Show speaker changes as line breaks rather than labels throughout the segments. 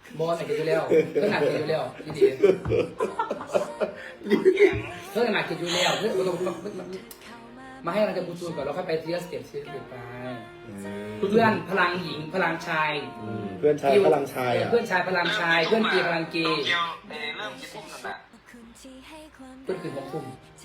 บอลหนักกินอยู่แล้วเพื่อนหนักกินอยู่แล้วดีเพื่อนหนักกินอยู่แล้วเพื่อนมาให้เราจะพูดคุยก่อนเราค่อยไปเทียสเต็ปไปเพื่อนพลังหญิงพลังชาย
เพื่อนชายพลังชาย
เพื่อนชายพลังชายเพื่อนเกย์พลังเกย์
เริ่มกี่ทุ่มแล้วนะ
เพื่อนคือ6 ทุ่ม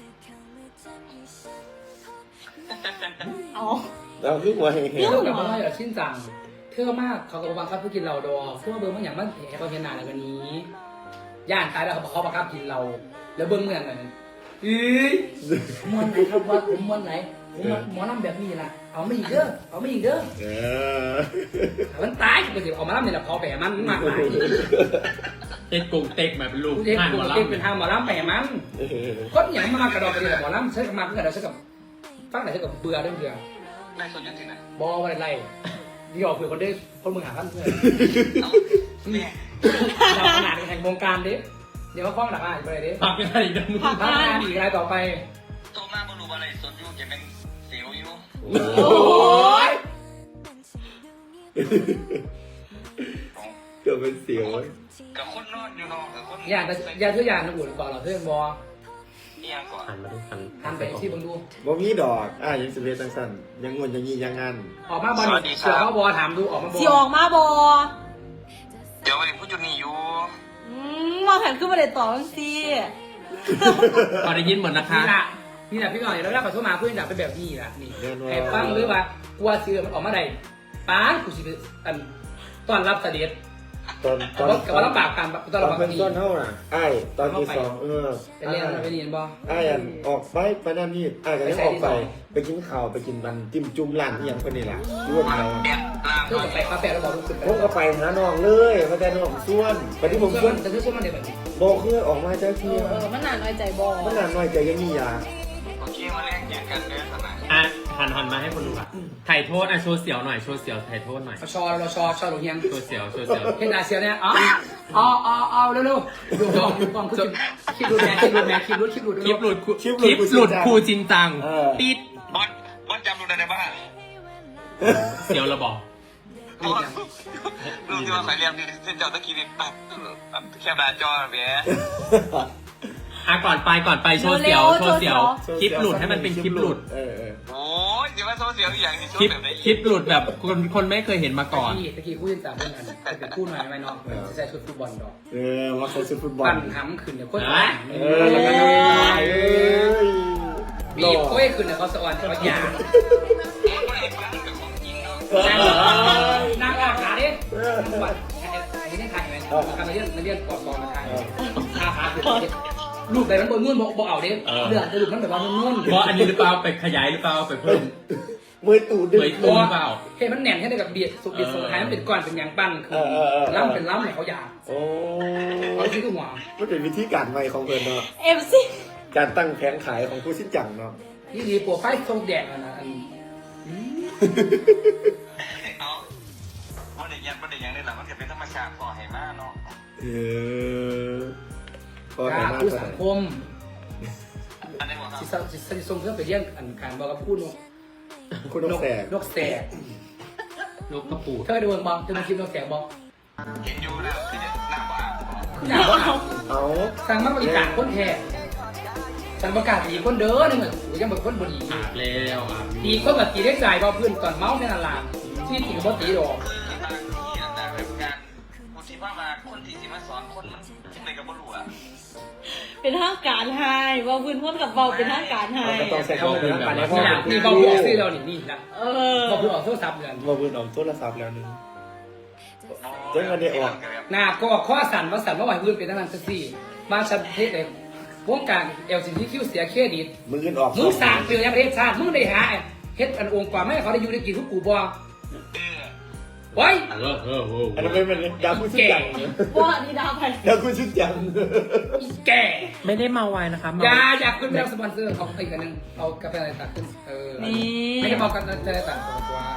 อ๋อ
เราคือหัวแห่ง
เพื่อนกับพ่ออย่าชิ้นจังเท่มากเขาก็บังคับเพื่อกินเราดอเพื่อเบิ้งบางอย่างมันแผลเขาเห็นหนาในวันนี้ย่านตายแล้วเขาบังคับกินเราแล้วเบิ้งเมืองอะไรมวนไหนครับว่าผมมวนไหนผมหมอน้ำแบบนี้นะเอาไม่อีกเด้อเอาไม่อีกเด้อมันตายก็สิเอามาล่ำเนี่ยพอแผลมันมากมาย
เต็กกุ้งเต็กแบบเป็นลูก
เด็ก
ห่าน
กู
หมอ
เด็ก
ลำ
เป็นทางหมอล่ำแผลมันคนอย่างมากระดอกกระเดียหมอล่ำใช้กับมาเพื่อเราใช้กับฟังไหนใช้กับเบื่อเรื่องเบื่อ
ในส่วนยุตินะ
บออะไรไรที่ออกเผื่อคนได้คนมึงหาพันเพื่อน
แม่
เราขนาดแห่งวงการดิเดี๋ยวว่าฟ้องหลักอ่านไปเลยดิ
พักยังไงอีกนะมึง
พักงานอีกรายต่อไป
โตมาบรูอะไรส่วนยุจะเป็นเสียวอยู่
โอ้ย
เกือบเป็นเสียว
กับคนนอนอยู่นอนกับคน
อย่าเทื่อยานนะบุญก่อนเราเพื่อนบอ
นี่ยังก่อน
หันมาดูหัน
ทำไปที่บังดู
บ่มีดอกยังสิเวตังสันยังงวนยังงี้ยังงัน
ออกมาบอลเสือเขาบอถามดูออกมาบอ
สิออกมาบอ
เดี๋ยววันนี้พูดจุดนี้อยู่
มองแผนขึ้นมาเลยต่อจังสิ
พอได้ยินหมดนะคะ
นี่แหละพี่ก่อนแล้วขอโทษมาเพื่อนอยากเป็นแบบนี้ละนี่ให้ฟังหรือว่ากลัวเสือมันออกมาได้ป้ากูสิอันต้อนรับเสด็จ
ตอน
กับว่าลำบากกันต้อนรับ
เป็นต้นเท่าน่ะตอนที่2
เป็นเรื่องอะไรไม่ดีบอ
อันออกไปนั่นนี่ก็ยังออกไปกินข้าวไปกินมันจิ้มจุ่มร้านที่ยังคนนี้แหละรวดเรา
เด็ดลาม
เพื่อนไปคาเฟ่แล้วบอกลูกขึ้นไป
ผมก็ไปหาน้องเลยมาแต่น้องส่วนไปที่ผมส่วน
แต่ช่วยมันเด็กแบบนี้
บอกคือออกมาเจ้าเที่ยว
มันหนาน้อยใจบอ
มันนานหน่อยใจยังมียา
โอเคมาแลกเกียรติกันเด้อสนาย
อ่ะหันมาให้คนดูอ่ะถ่ายโทษอ่ะโชว์เสียวหน่อยโชว์เสียวถ่ายโทษหน่อย
เราชอหลงยัง
โชว์เสียวโชว์เสียว
เห็นอาเซียเนี่ยเอาเร็วๆดูกล้องคือคลิปหลุดคลิปหลุด
คลิปหลุดคลิปหลุดครูจริงจังปิด
บอสจำรู้ได้ป่ะ
เสียวระบอก
รู้ที่ว่าใส่เรียมนี่เส้นเจ้าตะกี้นี่แคบหน้าจอเบี้ย
อ่ะก่อนไปโชว์เสียวโชว์เสียวคลิปหลุดให้มันเป็นคลิปหลุด
โอ้ยเดี๋ยวมาโซเสียวอีกอย่างที่ช่ว
คลิ
ย
ป
แบบไหน
คลิปหลุดแบบคนไม่เคยเห็นมาก่อน
ตะกี้คู่ยินสามคนอันเป็นคู่หน่อยไหมน้องใส่ชุดฟุตบอลดอก
ว่าเขาซื้อฟุตบอล
ปั่นห้ำขึ้นเดี๋ยวโค้ชบีบโค้ชขึ้นเดี๋ยวเขาสวรรค์เขาหยานั่งอาขาดิวัดไม่ได้ถ่ายไหมทำมาเรื่องกอดกองมาถ่ายขาคือรูปแบบนั้นบนนุ่นบอกเอาดิเลือดจะรูปนั้นแบบว่านุ่น
เพราะอันนี้หรือเปล่าไปขยายหรือเปล่าไปเพิ่ม
มือตูดดึง
เผยตัวหรือเปล่า
เห็นมันแหน่นแค่ไหนกับเบียดสุกเบียดสุกท้ายมันเป็นก้อนเป็นยางปั้นคือล้ำเป็นล้ำเนี่ยเขาหยาบ
โอ้
เขาชื่อหัว
มันเป็นวิธีการใหม่ของเพิ่นเนาะ
เอฟซี
การตั้งแผงขายของผู้สิ้นจังเนาะ
นี่ดีปัวไฟทรงแดงนะอัน
เอาเด็กยังได้หรอมันจะเป็นธรรมชาติพอให้มากเนาะ
พอก
ล้า
มา
ผู้
เท่า
สั
ไห
ง
ร่
คม
อันนี้บอกครับ
สิส่งเพื่อไปเยี่ยงอันการบอกกับพูดนก
คุณนกแสก
นกแสก
ลูกกระปูด
เธอดูบอกจะมาคลิปนกแสกบอก
เห็นอยู่แล้วคือหน้าบ้า
คือหนาว่า
เอา
สั่งมาบริการคนแท้สั่งประกาศดีคนเด้อนี่เหมือนยังแบบคนบดี
อาบแล้วอาบ
ตีคนแบบตีได้ใจบอกเพื่อนตอนเมาเนี่ยนั่นล่ะที่ตีกับตีดอก
คือบางทีนะแบบการคนที่ว่ามาคนที่สิมาสอนคนมันคิดอะไรกับบ่รู้อ่ะ
เป็นทางการไฮว่าพื้นพ้นกับเบาเป็นทางการไฮ
ก็ต้องใช้คำว่าเป็นแบบ
นี่นะนี่บอกบอกซื้อเรานี่นะ
เออ
บอกพูดออกโทรศัพท์เดือน
มาบืนออกโทรศัพท์แล้วนึง เจ๊งกันได้ออก
หน้าก็ข้อสั่นว่าสั่นว่าไหวพื้นเป็นนั่นสักสี่มาชันเทศเลยวงการ LGBTQ เสียเครดิต
มืออื่นออก
มึงสั่งเปลี่ยนประเทศชาติมึงได้หาเฮ็ดอันองค์กว่าไม่เขาได้อยู่ได้กินทุกกูบ่ไว้
อันนั้นเป็นดาวคุณชิ้นจัง
ว่านี่ดาวไป
ดาวคุณชิ้นจัง
อีแก่
ไม่ได้เมาไวนะคะ
อยากขึ้นไปรับสปอนเซอร์เอาอีกอันนึงเอากาแฟอะไรตักขึ้นไม่ได้บอกกันจะได้ตักกว่า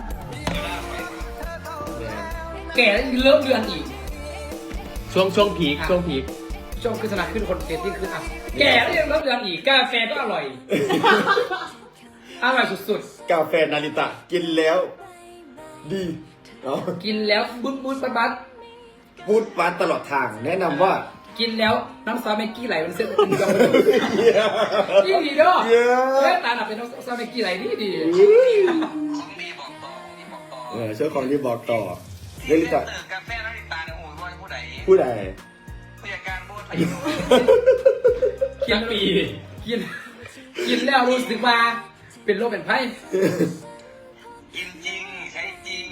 แก่แล้วเริ่มเดือนอีก
ช่วงพีค
ช่วงขึ้นสนามขึ้นคนเตติ้งขึ้นอ่ะแก่แล้วยังเริ่มเดือนอีกกาแฟก็อร่อยอร่อยสุด
กาแฟนาริตะกินแล้ว ดีเนาะ
ๆกินแล้วบึ้นบัด
พูดหวานตลอดทาง แนะนำว่า
กินแล้วน้ำซอสแม็กกี้ไหลมันเส้นเป็นยองนี่ดีเด้อแค่ตาหนับเป็นน้ำซอสแม็กกี้ไหลดีดี
ของดีบอกต่อของดีบอกต่อ
ช่วยของรีบบอกต่อ
ที่
เรื่อง
เล่น
นี้ต่อ
ตื่นกาแฟน้ำตาลเนี่ยโอ้ยว่าผู้ใด
ผู้ใด
ผู้จัดการบูธไป
สักปี
กินแล้วรู้สึกว่าเป็นโรคเป็นไข้
กินจริงใช้จริง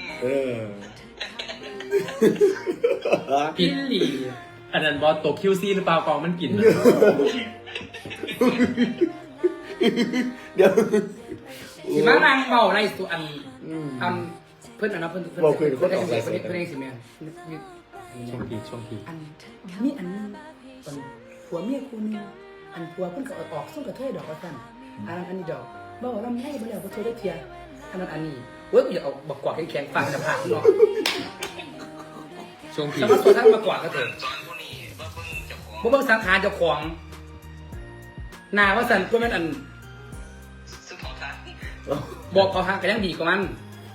กินหลี
อันนั้นบอสตัวคิวซี่หรือเปล่ากองมันกินนะ
เดี๋ยว
สิมานางเบาในสุอันเพื่อนอันนั้นเพื่อนเองสิแม่
ช่วงที
อันมีอันนึงตอนผัวเมียคู่นึงอันผัวเพิ่นก็ออกส่งกระเทยดอกว่าซั่นอันนั้นอันนี้ดอกบ่ว่าลำไยบ่แล้วบ่เทยได้เทียอันนั้นอันนี้เว้ยอย่าเอาบักกวาดแข็งๆฟังจะผ่านเนาะ
ช่วงที
สมมุติตัวท่านบักกวาดก็เถอะ
สอนผู้นี้ว่าเพิ่งจะของ
บ่เบิ่งสังขารเจ้าของหน้าว่าซั่นก็แม่นอัน
ซึ่งของท่าน
บอกเขาทางก็ยังดีกว่ามัน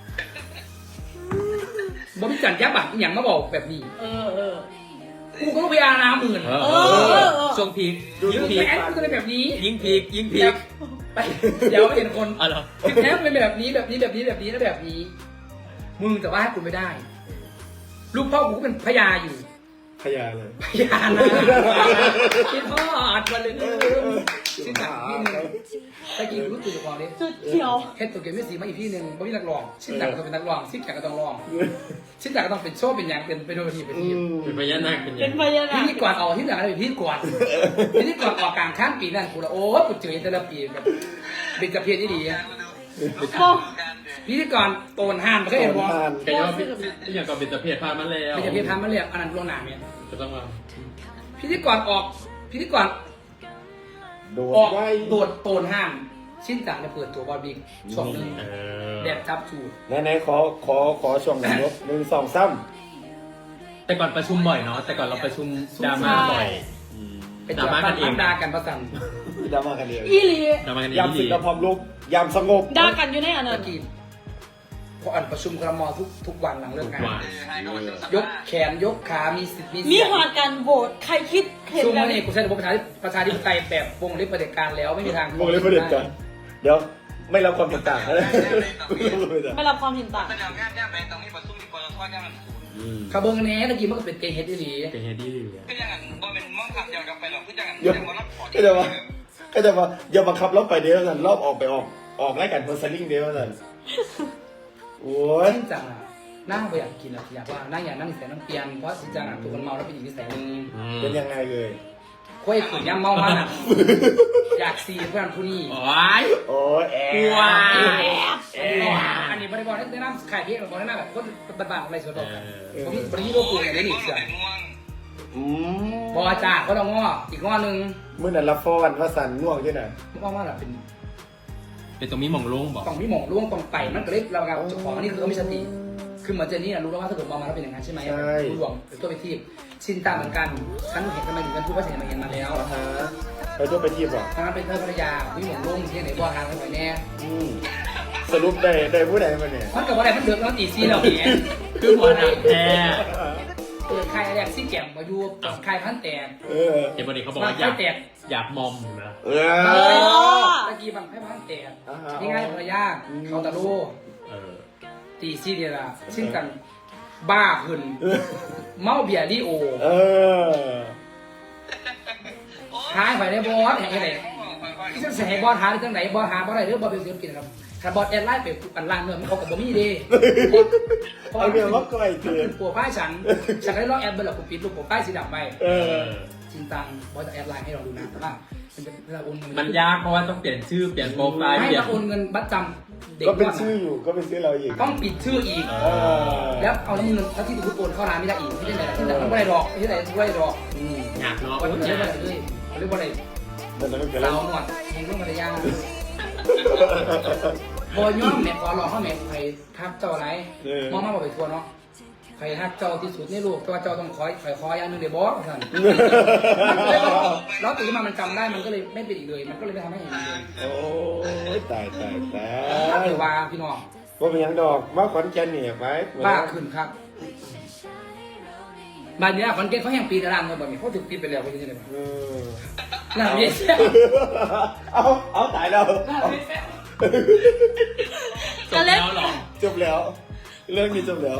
บ่มีการยับบัตรอหย่างมาบอกแบบนี้
เออ
กูก็ต้องไปอาณาหมื่น
ช่วงพีคยิ่งพีค
แม่กูจะเป็นแบบนี้
ยิ่งพีค
ไปเดี๋ยวเห็นคน
อ๋อเหรอ
แท้เป็นแบบนี้แบบนี้แบบนี้แบบนี้แล้วแบบนี้ มึงแต่ว่าให้กูไม่ได้ ลูกพ่อกูก็เป็นพญาอยู่
พยาเลย
พญานะคิดทอดมาเลยชื่อหนังพี่นึงตะกี้รู้ตัวของนี้
จุดเขียว
เฮ็ดตัวเกมไม่สีมาอีกพี่นึงไม่มีนักร้องชื่อหนังก็ต้องเป็นนักร้องชื่อหนังก็ต้องร้องชื่อหนังก็ต้องเป็นโชว์เป็นอย่างเป็นโดยทีเป็นที
เป็นพญานาคเป็น
เป็นพญานา
พิ
ค
ธีกรออกที่หนังอะไรพิธีกรพิธีกรออกกลางข้ามปีนั่นกูละโอ้กูเจอแต่ละปีแบบเป็นกระเพียนที่ดี พิธีกรโตนห้ามมันก็เห็นว่า
แกยอมที่อย่างกับเป็นตะเพียนพามาแล้ว
เป็นกระเพียนทำมาเรียกอันนั้นลวงหนาเนี่ย
ก็ต้องมา
พิธีกรออกพิธีกร
โด
ออก
ดไว้
โดดโตนห้ามชิ้นจังจะเปิดตัวบอลบิ๊กช่วงนึงแบบจับจูด
ไหนๆขอช่วงหนึ่ง1 2 3
แต่ก่อนประชุมบ่อยเนาะแต่ก่อนเราประชุมดราม่าบ่อย
เป็นดราม่ากันเองด่ากันประสัน
ดราม่ากันเอง
อีหลี
ดราม่ากันเอง
ยามศึกและพร้อมลุกยามสงบ
ด่ากันอยู่ในอันนั้
ตะ
น
กี้พออ่านประชุมครมทุกวันหลังเลิกงาน
ให้ก็วันที่สัป
ย
ดาก ห์
แขนยกขามีสิทธิ์มี
มี
เสียง
หอดการโหวตใครคิดเห็น
ช่วง
แบบ
นี้กูใช้ระบบประชาธิปไตยแบบวงเล็บประเผด็จการแล้วไม่มีทาง
วงเล็บประเด็นกันเดี๋ยวไม่รับความเห็นต่างนะ
ไม่รับความเห็นต่าง
แสดงงานย่างแบงตรงนี้ประชุมที่ปตทย่างมัน
ขาเบิ้งแน่ตะกี้มันก็เป็นเกย์เฮดดี
เป็นเฮดี้
ก็ยังบ่เป็นมองขับเดียวกันไปหรอกคือยัง
เดี๋ยว
มารับขอ
ก็จะว่าอย่าบังคับรอบไปเดียวกันรอบออกไปออกไล่กันเพอร์ซัลลิ่งเดียวกันโอ้ย
จริงจังอ่ะนั่งไปอยากกินอ่ะอยากว่านั่งอยากนั่งนิสัยน้ำเปียนเพราะจริงจังอ่ะตัวคนเมาแล้วเป็นอีกนิสัยหนึง
เป็นยังไงเลย
ค่อยขืนย่ำเมามันอ่ะอยากซีเพื่อนผู้นี้
โอ้ย
โอ้ยแอบ
ว้า
อันนี้บริบอลได้น้ำขายเพี้ยนบริบอลได้น้ำแบบคนบ้านๆอะไรส่วนตัวผมมีบริโภคปูอย่างนี้นี่เสีย
ง่วง
บอจ่าเขาต้องง้ออีกง้อนึง
เมื่อนั้นละฟอนว่าสันง่วงใช่ไหม
ง้อว่าแบบเป็น
เป็นตรงนี้มองโล่งบอก
ต้องมีหม่องร่วงต้องไต่มันก็เลยเรากับเจ้าของอันนี้คือเขาไม่สติคือเหมือนเจนนี่รู้แล้วว่าถ้าเกิดมองมาแล้วเป็นอย่างนั้นใช่ไหมรู้หลวงเป็นตัวไปทีบชินตามเหมือนกันฉันเห็นทำไมถึงกันพูดว่าฉันมาเห็นมาแล้ว
ฮะไปตัวไปทีบหรอ
ทางนั้นเป็นเธอภรรยามีหม่องร่วงที่ไหนบ่อทางกันไปแน่
สรุปได้ผู้ใดมาเนี่ย
มันกับว่าอะไรมันเดือดร้อนตีซีเราเนี่ย
คือหัวหนักแท้
เปิดค่ายแรกซี่แก้มมาอยู่ค่ายพันแตก
เห็นวันนี้เขาบอกว่าอยากมอมนะ
ตะกี้บังให้พันแตกนี่ง่ายภรรยาเขาตะโลตีซีเดียละชินกันบ้าขึ้นเมาเบียร์ดิโอหายไปในบอสแห่งไหนที่จะแสงบอสหาได้ทั้งไหนบอสหาบอสไหนเรื่องบอสเป็นศิลปินครับถ้าบอสแอดไลน์ไปอันล่างเนื้อมันเขากับบอมี่ดี
เอาเรื่องว่าก้อยเถื่อน
ปัวป้ายฉันได้ลองแอดเบอร์หลักกูปิดลูกปัวป้ายสีดำไปจริงจังบอสจะแอดไลน์ให้เราดูนะแต่ว่ามันจะเวลาโอนเงิน
มันยากเพราะว่าต้องเปลี่ยนชื่อเปลี่ยนโปรไฟล์
ให้
เปลี่ยน
เราโอนเงินบัตรจำเด็ก
ก็เป็นชื่ออยู่ก็เป็นชื่อเราอีก
ต้องปิดชื่ออีกแล้วเอาแล้วเงินถ้าที่ถูกโอนเข้าร้านไม่ได้อีกที่ไหนที่ไหนมันไม่ได้หรอกที่ไหนไม่ได้หรอก
อยากเนาะ
วันนี้
อ
เรียก
ยา
ว่าก อะไรเลยเรียกว่าอะไร
แต่นั้นก็
เรา
แล้ว
หมดเองต้องมาได้ยากบอย่อมแม่ขอหลอกเขาแม่ใครทักเจ้าอะไรมองมาบอกไปทัวร์เนาะใครทักเจ้าที่สุดในโลกตัวเจ้าต้องคอยอย่างนึงเดี๋ยวบอสท่านแล้วตื่นมามันจำได้มันก็เลยไม่เป็นอีกเลยมันก็เลยไม่ทำให้เห็นเลย
โอ้ยตาย
ถ้าเดี๋ยวว่าพี่น้อง
ว่าเป็นยังดอกมาขอนแก่นเนี่ยไป
บ้าขึ้นครับบานเนี้ยคอนเกนเขาแห่งปีกระลังเลยแบบนี้เขาถึงปีไปแล้วเขาจะได้ไหม
เออ
หน้าไม่แซ่บ
เอาตายแล้ว
หน้าไม่แซ่บ
จบแล้วเหรอ
จบแล้ว เรื่องนี้จบแล้ว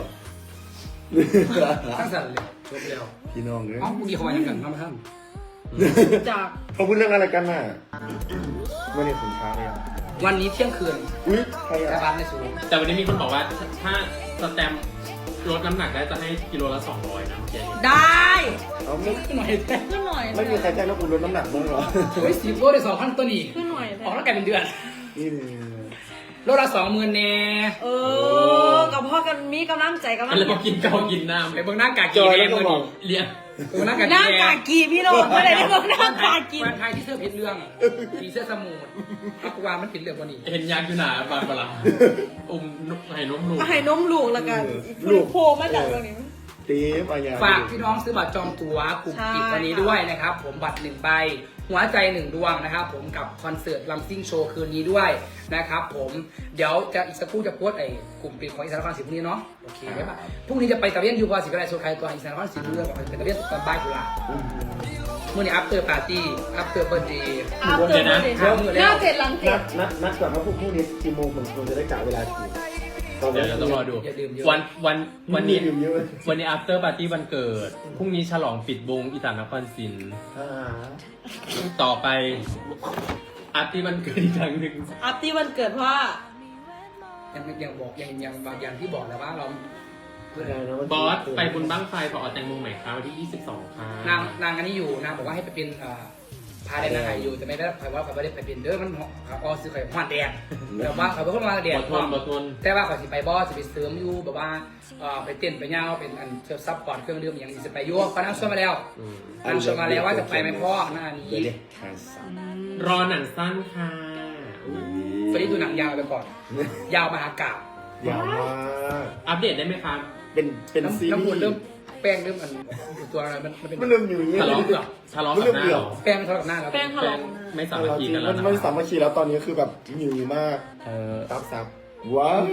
ตั้งสั่นเลยจบแล้ว
พี่น้องเลย
เอ้าพวกนี้เขามาอย่างกันมาท่าน
จาก
เขาพูดเรื่องอะไรกันน่ะไม่ได้ขุนช้างเลยอ่ะ
วันนี้เที่ยงคืน
อุ้ยใคร
กระ
อ่ะ
บาลในสูง
แต่วันนี้มีคนบอกว่าถ้าสแตมป์ลดน้ำหนักได้จะให้กิโลละ200นะเมื่อกี้
ได้
เอาไม่
ขึ้นหน่อยแท้
ขึ้นหน่อย
ไม่มีใครแจ้งว่าคุณลดน้ำหนักบ้างเหรอ
โอ้ย10 โลได้ 2,000 ตัวนี่
ขึ้นหน่อย
ออกแล้วกลายเป็นเดือน
นี่
โลละ 20,000แน่
เออกับพ่อกันมีกำลังใจกำลั
ก็
ง
เลยมากินข้าวกินน้ำ
ไปเบิ่งหน้ากากกีเองเมื่อนี้
เลี้ยง
เบิ่งหน้ากาก
หน้า
กี
กากีพี่โรดไม่ได้ได้บอกหน้ากากี
วันไทยที่เสื้อเพชรเรื่องสีเสื้อสมูทอักวามันเป็นเรื่องวันนี้
เห็นยางอยู่หนาบานปลาให้นมลูก
ให้นมลูกแล้วกันลูกโพมาจากตรงนี้
ตีมอะไรอย่าง
ฝากพี่น้องซื้อบัตรจองตั๋วกลุ่มปิดวันนี้ด้วยนะครับ ผมบัตร1 ใบ หัวใจ1 ดวงนะครับผมกับคอนเสิร์ตลัมซิ่งโชว์คืนนี้ด้วยนะครับผมเดี๋ยวจะอีกสักครู่จะโพสต์กลุ่มปิดของอีสานนครศรีพรุ่งนี้เนาะโอเคได้ปะพรุ่งนี้จะไปตะเวียนยูบอสิกระไรโซคายตัวอีสานนครศรีเรื่องกับไปตะเวียนตอนบ่ายกุหลาบเมื่อนี้อัปเตอร์ปาร์ตี้อัปเตอร์เบิร์ดเดย์
อาเติมเลยหน้าเจ็ดหลังเจ็ด
นัดก่อนว่าพวกนี้กี่โมงผมควรจะได้กะเวลากี่ตอน
เดี๋ยวเราต้องรอดู
อย่าดื่มเยอะ
วันนี้
ดื่มเยอะ
วันนี้ after party วันเกิด พรุ่งนี้ฉลองปิดวงอีสานนครศรี ต่อไปอาร์ตี้วันเกิดอีกครั้งหนึ่ง
อาร์ตี้วันเกิดเพราะว่า
ยังบอกยังบางอย่างที่บอกแล้วว่าเรา
บอสไปบุญบ้างไฟขออแตงโมใหม่ครับวันที่ 22 ค่ะ
นางอันนี้อยู่นางบอกว่าให้ไปเป็นพาแดนนางไห่อยู่แต่ไม่ได้ใครว่าเขาไม่ได้ไปเป็นเด้อมันอ๋อซื้อไข่หวานแดงแต่ว่าเขาเป็นคนมาแดง
บอทน
แต่ว่าเขาสิไปบอสสิไปเสริมอยู่แบบว่าไปเต้นไปย่างเป็นอันเชิญซับพอร์ตเครื่องดื่มอย่างนี้จะไปยั่วเขานั่งชวนมาแล้วนั่งชวนมาแล้วว่าจะไปไหมพ่อหน้านี้
รอหนังสั้นค่ะ
ไปดูหนังยาวไปก่อน ยาวมหากาบ
ยาวมาก
อัปเดตได้ไหมครับ
เป็นซีรี
น้ำมัน
ส์
เริ่มแป้งเริ่มตัวอะไรมันเป็น
มันเริ่มอยู่อย่างนี้
ทะเลาะ
เปลือก
ทะเลาะกับหน้าเหรอ
แป้งมันทะเลาะกับหน้าแล้ว
แป้งทะเลาะ
ไม่สามัคคีกันแล้ว
มัน
นะ
ไม่สามัคคีแล้วตอนนี้คือแบบหิวมาก ซับว้าว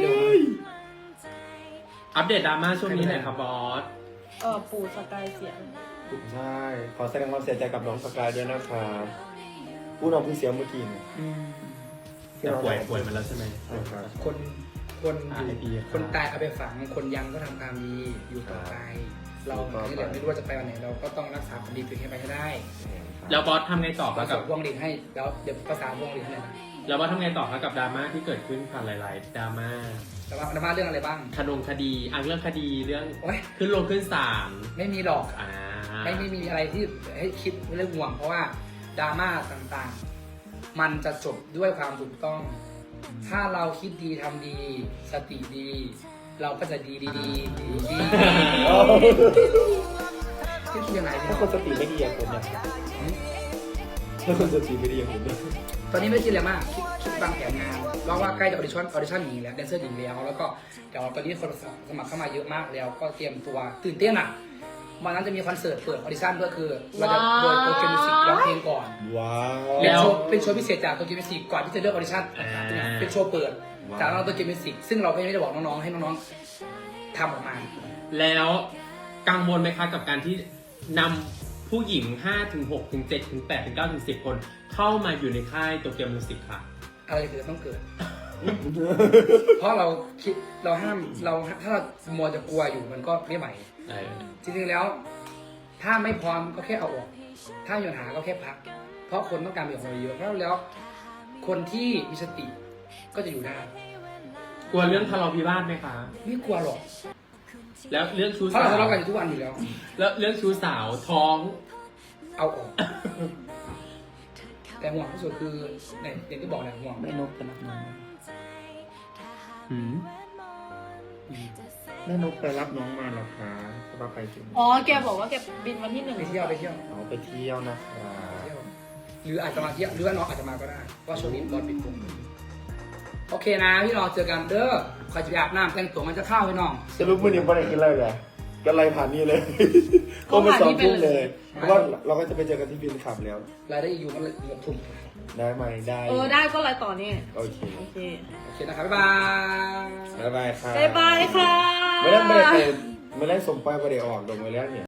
อัปเดตดราม่าช่วงนี้หน่อยครับบอส
ปู่สกายเสีย
ใช่ขอแสดงความเสียใจกับน้องสกายด้วยนะครับผู้น้องเพิ่งเสียเมื่อกี้เนี่ย
แต่ป่วยมาแล้วใช่ไหม
ใช่ครับ
คนอยู่คนตายเอาไปฝังคนยังก็ทำความดีอยู่ต่อไปเราที่เหลือไม่รู้ว่าจะไปวันไหนเราก็ต้องรักษาความดีตัวเองให้ไปให้ได้
แล้วบอสทำไงต่อค
เรา
รับ
ส่
กับ
งพวงหลีดให้แล้วเดี๋ยวภาษาพวงหลีดให้นะ
แล้วบอสทำไงต่อครับกับดราม่าที่เกิดขึ้นผ่านหลายๆดราม่า
แต่ว่าเรื่องอะไรบ้าง
คดีเรื่องคดีเรื่อง
โอ๊ย
ขึ้นลงขึ้นศาล
ไม่มีหรอก
ไม่
ไม่มีอะไรที่ให้คิดเรื่องห่วงเพราะว่าดราม่าต่างๆ มันจะจบด้วยความถูกต้อง ถ้าเราคิดดีทำดี สติดี เราก็จะดีคิดยังไงเนี่
ถ้าย คนสติไม่ดีอย่างผมเนี่ยถ้าคนสติไม่ดีอย่างผมเนี่ย
ตอนนี้ไม่คิดอะไรมากคิดวางแผนงานเพราะว่าใกล้จะออดิชั่นหญิงแล้วแดนเซอร์หญิงแล้วก็เดี๋ยวตอนนี้คนสมัครเข้ามาเยอะมากแล้วก็เตรียมตัวตื่นเต้นอ่ะวันนั้นจะมีคอนเสิร์ตเปิดออดิชั่นด้วยคือเราจะโดยโปรแกรมมิวสิกร้องเพลงก่อน
ว้าว
เป็นโชว์พิเศษจากโตเกียวมิวสิกก่อนที่จะเลือกออดิชั่นเป็นโชว์เปิดจากน้องโตเกียวมิวสิกซึ่งเราไม่ได้บอกน้องๆให้น้องๆทำออกมา
แล้วกังวลไหมคะกับการที่นำผู้หญิง5ถึง6ถึง7ถึง8ถึง9ถึง10 คนเข้ามาอยู่ในค่ายโตเกียวมิวสิกค่ะ
อะไรเกิดต้องเกิด เพราะเราคิดเราห้ามเราถ้าเรามัวจะกลัวอยู่มันก็ไม่ไหวจริงๆแล้ว ถ้าไม่พร้อมก็แค่เอาออก ถ้ามีปัญหาก็แค่พัก เพราะคนต้องการมีของเราเยอะเพราะแล้ว คนที่มีสติก็จะอยู่ได้
กลัวเรื่องทะเลาะวิวาทไหมคะ
ไม่กลัวหรอก
แล้วเรื่องชู้
เพราะ
สา
เรา
ว
ทะเลาะกันอยู่ทุกวันอยู่แล้ว
แล้วเรื่องชู้สาวท้อง
เอาออก แต่ห่วงที่สุดคือเนี่ยอย่างที่บอกเนี่ยห่วง
แม่นกจะรับน้อง
หืม
แม่นกไปรับน้องมาหรอคะสบายไปถึง
อ๋อแกบอกว่าแกบินวันที่ 1
ไปเที่ยว
เอาไปเที่ยวนะครับ
หรืออาจจะมาเที่ยวหรือว่าน้องอาจจะมาก็ได้เพราะช่วงนี้บอลปิดกลุ่มโอเคนะพี่น้องเจอกันเด้อใครจะไปอาบน้ำแต่งตัวมันจะเข้าพี่น้อง
สรุปมื่อนี้ไม่ได้กินอะไรเลยกันไรผ่านนี่เลย ก็มา2 ทุ่มเลย เพราะว่าเราก็จะไปเจอกันที่บินขับแล้ว
รายได้อยู่มันเกือบทุ่ม
ได้ไหมได้
ได้ก็ไลน์ต่อเนี่ย
โอเค
โอเค
โอเคนะครับบ๊ายบาย
บ๊ายบายครับ
บ๊ายบายค่ะ
ไม่ได้สมไปประเดี๋ยวออกลงไปแล้วเนี่ย